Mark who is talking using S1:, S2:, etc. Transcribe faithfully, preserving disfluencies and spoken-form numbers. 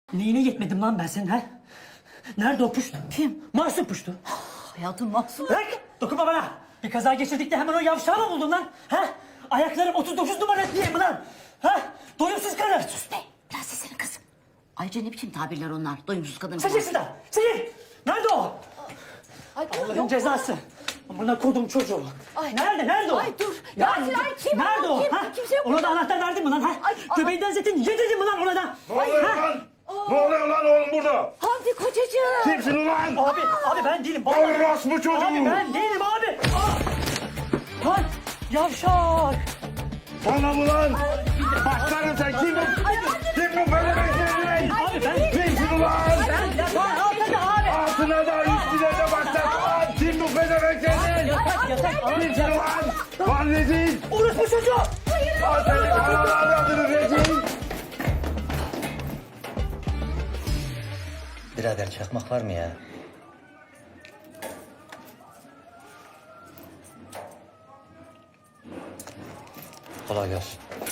S1: Neyine yetmedim lan ben senin ha? Nerede o puştu? Kim? Masum puştu.
S2: Hayatım mahsul.
S1: Bırak! Dokunma bana! Bir kaza geçirdik de hemen o yavşağı mı buldun lan? Ha? Ayaklarım otuz dokuz numara diye mi lan? Ha? Doyumsuz karı!
S2: Sus be. Biraz sesini kız. Ayrıca ne biçim tabirler onlar? Doyumsuz kadın.
S1: Çekil şuradan! Çekil! Nerede o?
S2: Ay,
S1: Allah'ın
S2: yok.
S1: cezası. Buna kodum çocuğu.
S2: Ay.
S1: Nerede? Nerede o?
S2: Ay, dur. Yasin, ay, kim
S1: Nerede
S2: o?
S1: o?
S2: Kim?
S1: Ha?
S2: Kimse yok
S1: Ona da
S2: burada.
S1: anahtar verdin mi lan? Ha?
S2: Ay, aha.
S1: Göbeğinden zeytin yedirdin mi lan ona da?
S3: Ne oluyor
S1: Ha?
S3: lan? Ne oluyor lan oğlum burada?
S2: Hamdi kocacığım.
S3: Kimsin ulan?
S1: Abi, abi ben değilim. Baba.
S3: Orospu çocuğu.
S1: Abi ben değilim abi. Aa! Lan yavşak.
S3: Bana mı lan? Başlarım sen kim bu? Kim bu böyle bekleyin?
S1: Abi ben
S3: Kimsin ulan?
S1: Ben ya ben altında abi.
S3: Altına da üstüne de başlar. Kim bu pezevenk senin?
S1: Yatak yatak.
S3: Kimsin ulan? Lan rezil.
S1: Orospu çocuğu.
S3: Al seni kanalı adını rezil.
S4: Birader çakmak var mı ya? Kolay gelsin.